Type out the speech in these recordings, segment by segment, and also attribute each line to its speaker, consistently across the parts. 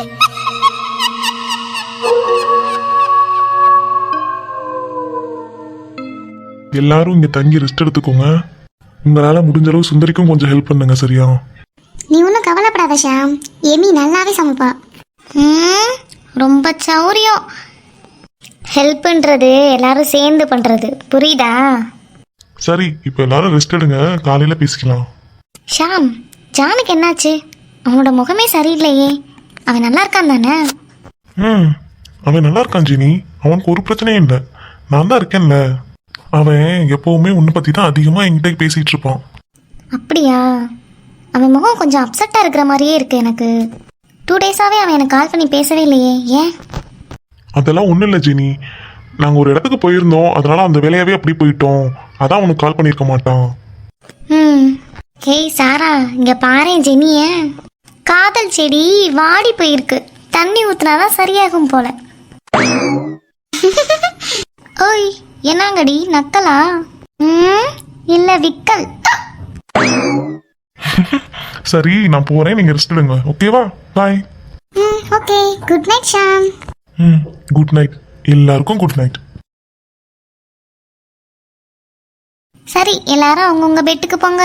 Speaker 1: எல்லாரும் இங்க தங்கி ரெஸ்ட் எடுத்துக்கோங்க. உங்களால முடிஞ்ச அளவு சுந்தரிக்கும் கொஞ்சம் ஹெல்ப் பண்ணுங்க, சரியா?
Speaker 2: நீ ஒன்றும் கவலைப்படாத ஷாம், எமி நல்லாவே சமைப்பா.
Speaker 3: ரொம்ப சௌரியம். ஹெல்ப்ன்றது எல்லாரும் சேர்ந்து பண்றது, புரியுதா?
Speaker 1: சரி, இப்போ எல்லாரும் ரெஸ்ட் எடுங்க, காலையில பேசிக்கலாம்.
Speaker 3: ஷாம், ஜானுக்கு என்னாச்சு? அவனோட முகமே சரியில்லையே. அவன் நல்லா இருக்கான் தானே?
Speaker 1: அவன் நல்லா இருக்கான் ஜினி, அவனுக்கு ஒரு பிரச்சனையும் இல்லை. நான் தான் இருக்கேன்ல. அவன் எப்பவுமே உன்னை பத்தி தான் அதிகமா என்கிட்ட பேசிட்டு இருப்பான்.
Speaker 3: அப்படியா? அவன் முகம் கொஞ்சம் அப்செட்டாக இருக்கிற மாதிரியே இருக்கு எனக்கு. 2 டேஸாவே அவன் எனக்கு கால் பண்ணி பேசவே இல்லையே, ஏன்?
Speaker 1: அதெல்லாம் ஒன்றும் இல்லை ஜினி, நாங்கள் ஒரு இடத்துக்கு போயிருந்தோம், அதனால அந்த வேலையாவே அப்படி போயிட்டோம். அதான் உனக்கு கால் பண்ணியிருக்க மாட்டான்.
Speaker 3: ஹேய் சாரா, இங்க பாரு ஜெனிய. காதல் செடி வாடி போயிருக்கு, தண்ணி ஊத்துனாதான் சரியாகும் போல. ஓய், என்னங்கடி நக்கலா? இல்ல விக்கல்.
Speaker 1: சரி, நான் போறேன், நீங்க ரெஸ்ட் எடுங்க, ஓகேவா? Bye.
Speaker 2: Okay, good night Sham.
Speaker 1: Good night. எல்லாருக்கும் குட் நைட்.
Speaker 3: சரி, எல்லாரும் அவங்கவுங்க பெட்டுக்கு போங்க.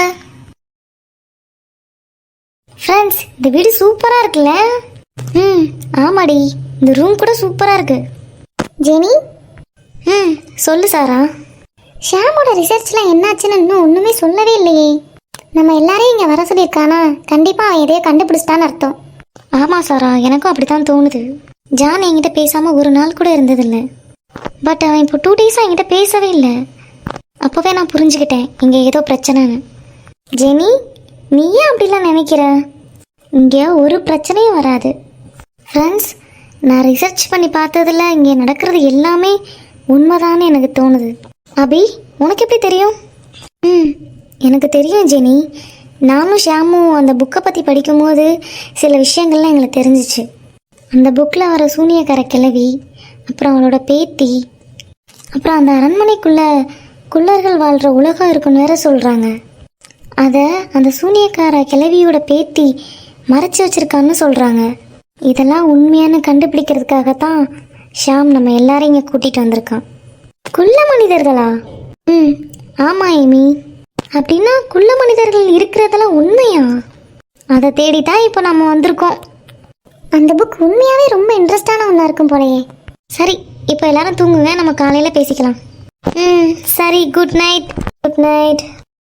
Speaker 3: ஃப்ரெண்ட்ஸ், இந்த வீடு சூப்பரா இருக்குல்ல? ஆமாடி, இந்த ரூம் கூட சூப்பரா இருக்கு.
Speaker 2: ஜெனி,
Speaker 3: சொல்லு சாரா.
Speaker 2: ஷாமோட ரிசர்ச்லாம் என்னாச்சுன்னு இன்னும் ஒன்றுமே சொல்லவே இல்லையே. நம்ம எல்லாரையும் இங்கே வர சொல்லியிருக்கானா? கண்டிப்பாக அவன் எதையோ கண்டுபிடிச்சிட்டான்னு அர்த்தம்.
Speaker 3: ஆமாம் சாரா, எனக்கும் அப்படித்தான் தோணுது. ஜான் என்கிட்ட பேசாமல் ஒரு நாள் கூட இருந்ததில்லை. பட் அவன் இப்போ 2 டேஸாக என்கிட்ட பேசவே இல்லை. அப்போவே நான் புரிஞ்சுக்கிட்டேன் இங்கே ஏதோ பிரச்சனைன்னு. ஜெனி, நீ ஏன் அப்படிலாம் நினைக்கிற? இங்கே ஒரு பிரச்சனையும் வராது. ஃப்ரெண்ட்ஸ், நான் ரிசர்ச் பண்ணி பார்த்ததில் இங்கே நடக்கிறது எல்லாமே உண்மைதான்னு எனக்கு தோணுது. அபி, உனக்கு எப்படி தெரியும்? எனக்கு தெரியும் ஜெனி. நானும் ஷாமும் அந்த புக்கை பற்றி படிக்கும்போது சில விஷயங்கள்லாம் எங்களுக்கு தெரிஞ்சிச்சு. அந்த புக்கில் வர சூனியக்கார கிழவி, அப்புறம் அவளோட பேத்தி, அப்புறம் அந்த அரண்மனைக்குள்ளே குள்ளர்கள் வாழ்கிற உலகம் இருக்குன்னு வேற சொல்கிறாங்க. அதை அந்த சூனியக்கார கிழவியோட பேத்தி மறைச்சி வச்சிருக்கான்னு சொல்கிறாங்க. இதெல்லாம் உண்மையான கண்டுபிடிக்கிறதுக்காகத்தான் ஷாம் நம்ம எல்லாரையும் இங்கே கூட்டிகிட்டு வந்திருக்கான். குள்ள மனிதர்களா? ஆமாம் ஏமி. அப்படின்னா குள்ள மனிதர்கள் இருக்கிறதெல்லாம் உண்மையா? அதை தேடித்தான் இப்போ நம்ம வந்திருக்கோம்.
Speaker 2: அந்த புக் உண்மையாகவே ரொம்ப இன்ட்ரெஸ்டான ஒன்றா இருக்கும் போலயே.
Speaker 3: சரி, இப்போ எல்லாரும் தூங்குங்க, நம்ம காலையில் பேசிக்கலாம். சரி, குட் நைட். Good night.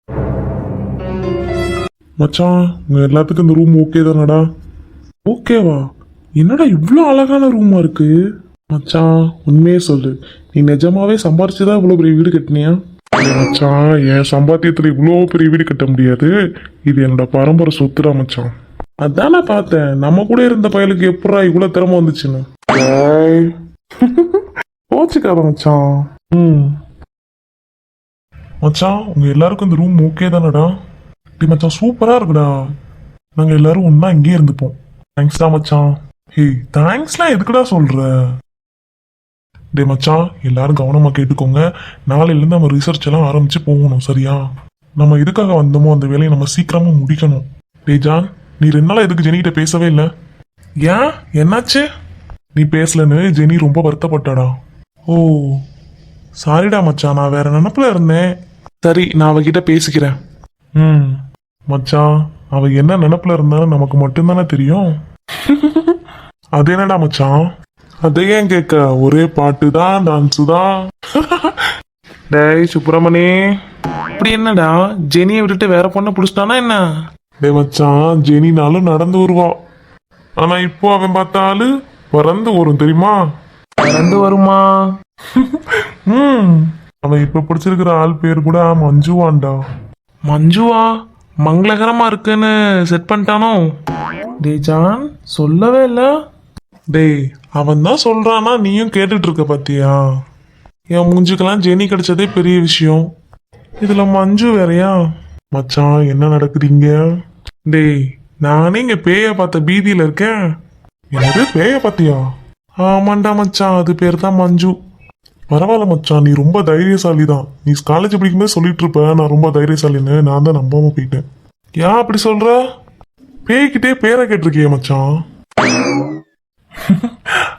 Speaker 1: மச்சான், உங்க எல்லாத்துக்கும் இந்த ரூம் ஓகே தானடா? ஓகேவா? என்னடா இவ்வளோ அழகான ரூமா இருக்கு? மச்சான், உண்மையே சொல்லு, நீ நிஜமாவே சம்பாரிச்சுதான் இவ்வளோ பெரிய வீடு கட்டினியா? மச்சான், என் சம்பாத்தியத்தில் இவ்வளோ பெரிய வீடு கட்ட முடியாது. இது என்னோட பரம்பரை சொத்துடா மச்சான். அதான் நான் பார்த்தேன், நம்ம கூட இருந்த பயலுக்கு எப்படா இவ்வளோ திறமை வந்துச்சுன்னு. போச்சுக்காத மச்சான். மச்சான், உங்க எல்லாருக்கும் இந்த ரூம் ஓகே தானடா? டி மச்சான், சூப்பரா இருக்குடா. நாங்க எல்லாரும் ஒன்னா இங்கே இருந்துப்போம். தேங்க்ஸ்டா மச்சான். ஹே, தேங்க்ஸ்லாம் எதுக்குடா சொல்ற? டே மச்சான், எல்லாரும் கவனமா கேட்டுக்கோங்க. நாளையிலேருந்து நம்ம ரிசர்ச் எல்லாம் ஆரம்பிச்சு போகணும், சரியா? நம்ம எதுக்காக வந்தோமோ அந்த வேலையை நம்ம சீக்கிரமா முடிக்கணும். டே ஜான், நீ 2 நாளா எதுக்கு ஜெனிகிட்ட பேசவே இல்லை? ஏன், என்னாச்சு? நீ பேசலன்னு ஜெனி ரொம்ப வருத்தப்பட்டாடா. ஓ, சாரிடா மச்சான், நான் வேற நினப்புல இருந்தேன். சரி, நான் அவகிட்ட பேசிக்கிறேன். மச்சான், அவ என்ன நினப்புல இருந்தாலும் நமக்கு மட்டும்தானே தெரியும். அது என்னடா மச்சான்? அதை ஏன் கேட்க, ஒரே பாட்டு தான், டான்ஸு தான். டேய் சுப்பிரமணி, இப்படி என்னடா ஜெனியை விட்டுட்டு வேற பொண்ணை பிடிச்சிட்டானா என்ன? டே மச்சான், ஜெனினாலும் நடந்து வருவா. ஆனா இப்போ அவன் பார்த்தாலு பறந்து வரும், தெரியுமா? பறந்து வருமா? அவன் இப்ப பிடிச்சிருக்கிற ஆள் பேர் கூட மஞ்சுவான்டா. மஞ்சுவா? மங்களகரமா இருக்குன்னு செட் பண்ணிட்டானோ? டே ஜான், சொல்லவே இல்லை. டேய், அவன் தான் சொல்றானா, நீயும் கேட்டுட்டு இருக்க பாத்தியா? என் மூஞ்சுக்கெல்லாம் ஜெனி கிடைச்சதே பெரிய விஷயம், இதுல மஞ்சு வேறையா? மச்சான், என்ன நடக்குறீங்க? டேய், நானே இங்க பேய பார்த்த பீதியில இருக்கேன். என்னது, பேய பார்த்தியா? ஆமாண்டா மச்சான், அது பேர் தான் மஞ்சு. பரவாயில்ல மச்சான், நீ ரொம்ப தைரியசாலி தான். நீ காலேஜ் படிக்கும்போது சொல்லிட்டு இருப்ப நான் ரொம்ப தைரியசாலின்னு. நான் தான் நம்பாம போயிட்டேன். ஏன் அப்படி சொல்ற? பேய்கிட்டே பேரை கேட்டிருக்கிய மச்சான்.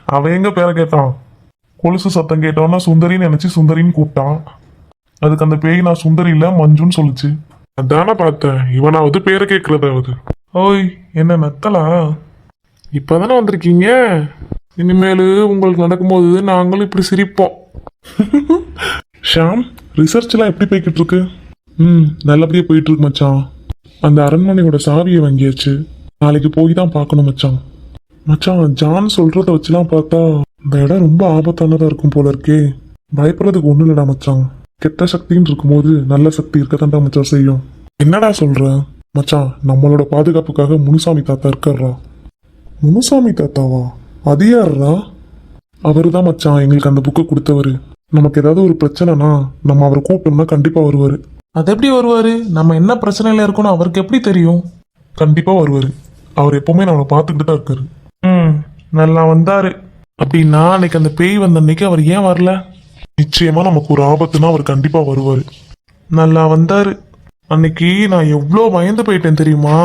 Speaker 1: அவன் எங்க பேரை கேட்டான்? கொலுசு சத்தம் கேட்டோன்னா சுந்தரின்னு நினைச்சு சுந்தரின்னு கூப்பிட்டான். அதுக்கு அந்த பேய் நான் சுந்தரி இல்ல மஞ்சுன்னு சொல்லுச்சு. அதானே பார்த்தேன், இவனாவது பேரை கேட்கறதாவது. ஓய், என்ன நத்தலா? இப்பதானே வந்திருக்கீங்க, இனிமேல் உங்களுக்கு நடக்கும்போது நாங்களும் இப்படி சிரிப்போம். ஷாம், ரிசர்ச்லாம் எப்படி போய்கிட்டு இருக்கு? நல்லபடியா போயிட்டு இருக்கு மச்சான். அந்த அரண்மனையோட சாவியை வாங்கியாச்சு, நாளைக்கு போய் தான் பார்க்கணும் மச்சான். மச்சான், ஜான் சொல்றத வச்சுலாம் பார்த்தா இந்த இடம் ரொம்ப ஆபத்தானதா இருக்கும் போல இருக்கே. பயப்படுறதுக்கு ஒண்ணும் இல்லடா மச்சான். கெட்ட சக்தின்னு இருக்கும்போது நல்ல சக்தி இருக்கதான்டா மச்சான் செய்யும். என்னடா சொல்ற மச்சான்? நம்மளோட பாதுகாப்புக்காக முனுசாமி தாத்தா இருக்காரா? முனுசாமி தாத்தாவா? அது யாருடா? அவரு தான் மச்சான் எங்களுக்கு அந்த புக்கை கொடுத்தவரு. நமக்கு ஏதாவது ஒரு பிரச்சனைனா நம்ம அவரை கூப்பிட்டோம்னா கண்டிப்பா வருவாரு. அது எப்படி வருவாரு? நம்ம என்ன பிரச்சனையில இருக்கோம்னு அவருக்கு எப்படி தெரியும்? கண்டிப்பா வருவாரு. அவர் எப்பவுமே நம்மளை பார்த்துக்கிட்டு தான் இருக்காரு. நல்லா வந்தாரு. அப்படின்னா அன்னைக்கு அந்த பேய் வந்த அன்னைக்கு அவர் ஏன் வரல? நிச்சயமா நமக்கு ஒரு ஆபத்துனா அவர் கண்டிப்பா வருவாரு. நல்லா வந்தாரு. அன்னைக்கு நான் எவ்வளோ பயந்து போயிட்டேன் தெரியுமா?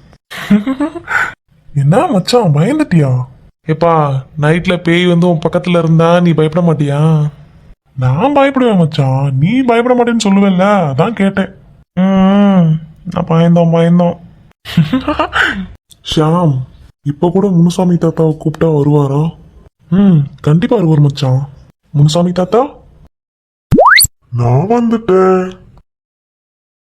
Speaker 1: என்ன மச்சான், பயந்துட்டியா? ஏப்பா, நைட்ல பேய் வந்து உன் பக்கத்துல இருந்தா நீ பயப்பட மாட்டியா? நான் பயப்படுவேன் மச்சான், நீ பயப்பட மாட்டேன்னு சொல்லுவேல்ல, அதான் கேட்டேன். நான் பயந்தோம். ஷாம், இப்ப கூட முனுசாமி தாத்தாவை கூப்பிட்டா வருவாரா? கண்டிப்பா வருவார் மச்சான். முனுசாமி தாத்தா, நான் வந்துட்டேன்.